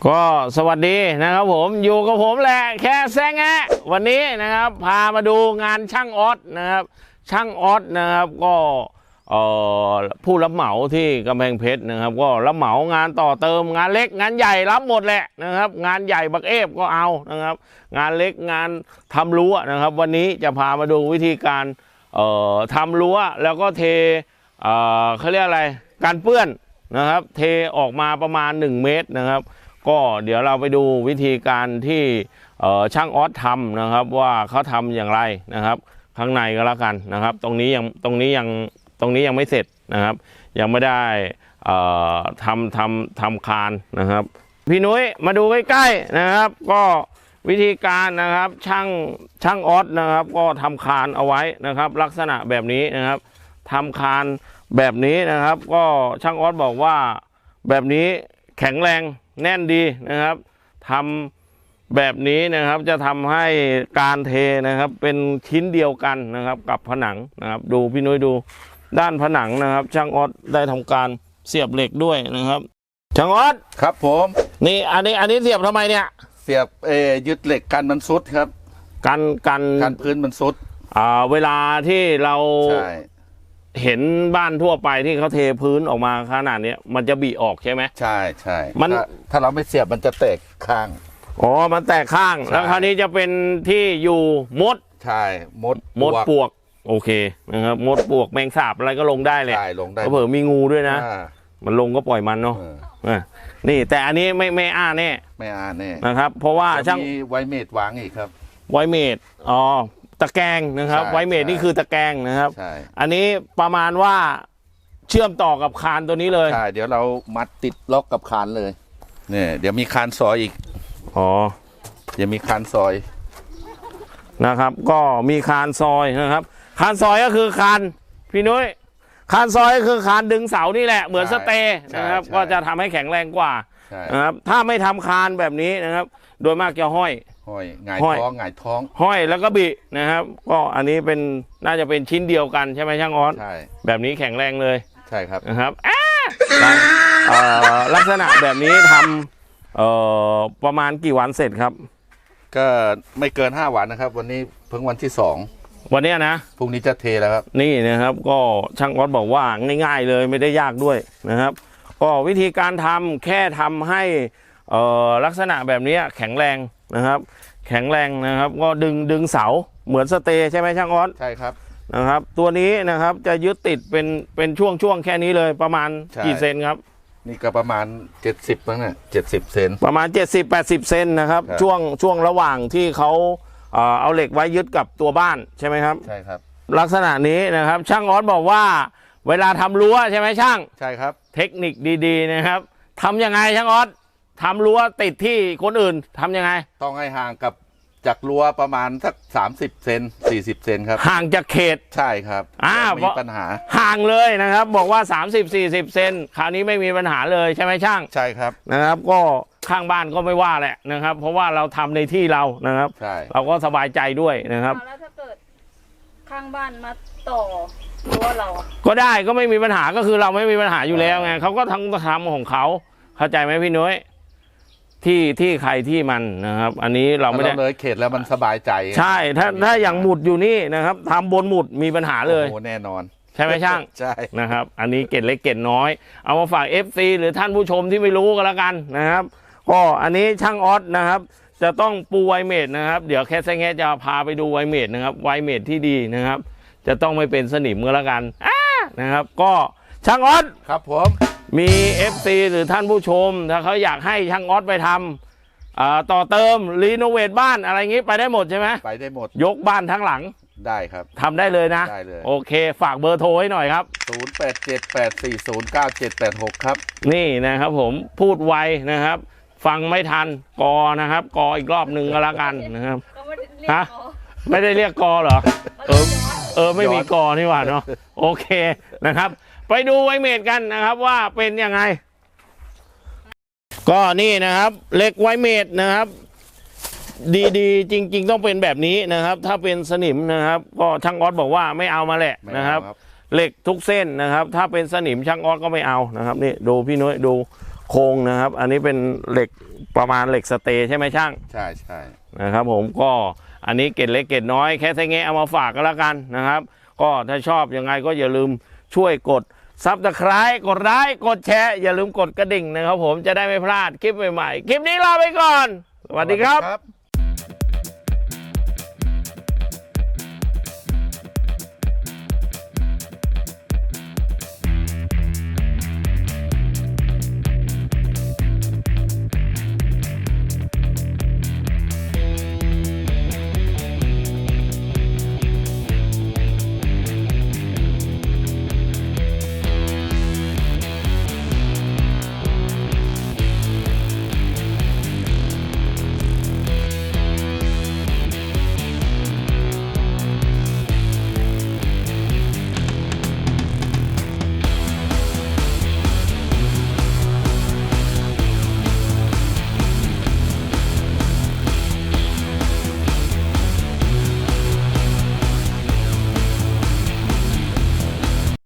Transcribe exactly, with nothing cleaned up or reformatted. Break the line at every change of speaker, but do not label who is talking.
ก็สวัสดีนะครับผมอยู่กับผมแหละแค่แซงแงะวันนี้นะครับพามาดูงานช่างออสนะครับช่างออสนะครับก็ผู้รับเหมาที่กำแพงเพชรนะครับก็รับเหมางานต่อเติมงานเล็กงานใหญ่รับหมดแหละนะครับงานใหญ่บักเอฟก็เอานะครับงานเล็กงานทำรั้วนะครับวันนี้จะพามาดูวิธีการทำรั้วแล้วก็เทเขาเรียกอะไรการเปื้อนนะครับเทออกมาประมาณหนึ่งเมตรนะครับก็เดี๋ยวเราไปดูวิธีการที่ช่างออสทำนะครับว่าเขาทำอย่างไรนะครับข้างในก็แล้วกันนะครับตรงนี้ยังตรงนี้ยังตรงนี้ยังไม่เสร็จนะครับยังไม่ได้ทำทำทำคานนะครับพี่นุ้ยมาดูใกล้ๆนะครับก็วิธีการนะครับช่างช่างออสนะครับก็ทำคานเอาไว้นะครับลักษณะแบบนี้นะครับทำคานแบบนี้นะครับก็ช่างออสบอกว่าแบบนี้แข็งแรงแน่นดีนะครับทำแบบนี้นะครับจะทำให้การเทนะครับเป็นชิ้นเดียวกันนะครับกับผนังนะครับดูพี่นุ้ยดูด้านผนังนะครับช่างออสได้ทำการเสียบเหล็กด้วยนะครับช่างออส
ครับผม
นี่อันนี้อันนี้เสียบทำไมเนี่ย
เสียบเอยึดเหล็กกันมันซุดครับ
กันกัน
กันพื้นมันซุด
อ่าเวลาที่เราเห็นบ้านทั่วไปที่เขาเทพื้นออกมาขนาดนี้มันจะบีออกใช่ไหม
ใช่ใช่
มัน
ถ้าเราไม่เสียบมันจะแตกข้าง
อ๋อมันแตกข้างแล้วคราวนี้จะเป็นที่อยู่มด
ใช่มด
มดปวกโอเคนะครับมดปวกแมงสาบอะไรก็ลงได้เลย
ใช่ลงได้
เผื่อมีงูด้วยนะมันลงก็ปล่อยมันเนาะนี่แต่อันนี้ไม่ไม่อ้าแน่
ไม่อ้าแน่
นะครับเพราะว่าช่าง
มีไวเมดวางอีกครับ
ไวเมดอ๋อตะแกรงนะครับไวเมดนี่คือตะแกรงนะครับอันนี้ประมาณว่าเชื่อมต่อกับคานตัวนี้เลย
ใช่เดี๋ยวเรามัดติดล็อกกับคานเลยเนี่ยเดี๋ยวมีคานซอยอีก
อ๋อ
เดี๋ยวมีคานซอย
นะครับก็มีคานซอยนะครับคานซอยก็คือคานพี่นุ้ยคานซอยก็คือคานดึงเสานี่แหละเหมือนสเตย์นะครับก็จะทำให้แข็งแรงกว่านะครับถ้าไม่ทำคานแบบนี้นะครับโดยมากจะห้อย
ห้อยหงายท้องหงายท้อง
ห้อยแล้วก็บินะครับก็อันนี้เป็นน่าจะเป็นชิ้นเดียวกันใช่ไหมช่างออส
ใช่
แบบนี้แข็งแรงเลย
ใช่ครับ
นะครับลักษณะแบบนี้ทำประมาณกี่วันเสร็จครับ
ก็ไม่เกินห้าวันนะครับวันนี้เพิ่งวันที่สอง
วันนี้นะ
พรุ่งนี้จะเทแล้วครับ
นี่นะครับก็ช่างออสบอกว่าง่ายๆเลยไม่ได้ยากด้วยนะครับก็วิธีการทำแค่ทำให้ลักษณะแบบนี้แข็งแรงนะครับแข็งแรงนะครับก็ดึงดึงเสาเหมือนสเตย์ใช่ไหมช่างออส
ใช่ครับ
นะครับตัวนี้นะครับจะยึดติดเป็นเป็นช่วงช่วงแค่นี้เลยประมาณกี่เซนครับ
นี่ก็ประมาณเจ็ดสิบมั้งเนี่ยเจ็ดสิบเซน
ประมาณเจ็ดสิบแปดสิบเซนนะครับช่วงช่วงระหว่างที่เขาเอาเหล็กไว้ยึดกับตัวบ้านใช่ไหมครับ
ใช่ครับ
ลักษณะนี้นะครับช่างออสบอกว่าเวลาทำรั้วใช่ไหมช่าง
ใช่ครับ
เทคนิคดีๆนะครับทำยังไงช่างออสทำรั้วติดที่คนอื่นทำยังไง
ต้องให้ห่างกับจากรั้วประมาณสักสามสิบเซนสี่สิบเซนครับ
ห่างจากเขต
ใช่ครับ
อ่า
ไม่มีปัญหา
ห่างเลยนะครับบอกว่าสามสิบ สี่สิบเซนคราวนี้ไม่มีปัญหาเลยใช่ไหมช่าง
ใช่ครับ
นะครับก็ข้างบ้านก็ไม่ว่าแหละนะครับเพราะว่าเราทำในที่เรานะครับ
ใช่
เราก็สบายใจด้วยนะครับ
แล้วถ้าเกิดข้างบ้านมาต่อรั้วเรา
ก็ได้ก็ไม่มีปัญหาก็คือเราไม่มีปัญหาอยู่แล้วไงเขาก็ทั้งทำของเขาเข้าใจไหมพี่นุ้ยที่ที่ใครที่มันนะครับอันนี้เราไม่ได้
เลยเขตแล้วมันสบายใจ
ใช่ถ้าถ้าอย่างหมุดอยู่นี่นะครับทำบนหมุดมีปัญหาเลย
โอ้แน่นอน
ใช่ไหมช่าง
ใช่
นะครับอันนี้เกร็ดเล็กเกร็ดน้อยเอามาฝาก เอฟ ซี หรือท่านผู้ชมที่ไม่รู้กันแล้วกันนะครับก็อันนี้ช่างออสนะครับจะต้องปูไวเมดนะครับเดี๋ยวแค่แซงแง่จะพาไปดูไวเมดนะครับไวเมดที่ดีนะครับจะต้องไม่เป็นสนิมกันแล้วกันนะครับก็ช่างออส
ครับผม
มี เอฟ ซี หรือท่านผู้ชมถ้าเขาอยากให้ช่างออสไปทำต่อเติมรีโนเวทบ้านอะไรงี้ไปได้หมดใช่ไหม
ไปได้หมด
ยกบ้านทั้งหลัง
ได้ครับ
ทำได้เลยนะ
ได้เลย
โอเคฝากเบอร์โทรให้หน่อยครับ
ศูนย์ แปด เจ็ด แปด สี่ ศูนย์ เก้า เจ็ด แปด หกครับ
นี่นะครับผมพูดไวนะครับฟังไม่ทันกอนะครับกออีกรอบหนึ่งก็แล้วกันนะครับฮะไม่ได้เรียกกอเหรอเออเออไม่มีกอนี่หว่าเนาะโอเคนะครับไปดูไวเมดกันนะครับว่าเป็นยังไงก็นี่นะครับเหล็กไวเมดนะครับดีๆจริงๆต้องเป็นแบบนี้นะครับถ้าเป็นสนิมนะครับก็ช่างออสบอกว่าไม่เอามาแหละนะครับเหล็กทุกเส้นนะครับถ้าเป็นสนิมช่างออสก็ไม่เอานะครับนี่ดูพี่นุ้ยดูโครงนะครับ อันนี้เป็นเหล็กประมาณเหล็กสเตย์ใช่ไหมช่าง
ใช่ใช่
นะครับผมก็อันนี้เกร็ดเล็กเกร็ดน้อยแค่ไซเงะเอามาฝากก็แล้วกันนะครับ ก็ถ้าชอบยังไงก็อย่าลืมช่วยกดซับสไครต์กดไลค์กดแชร์อย่าลืมกดกระดิ่งนะครับผมจะได้ไม่พลาดคลิปใหม่ๆคลิปนี้ลาไปก่อนสวัสดีครับ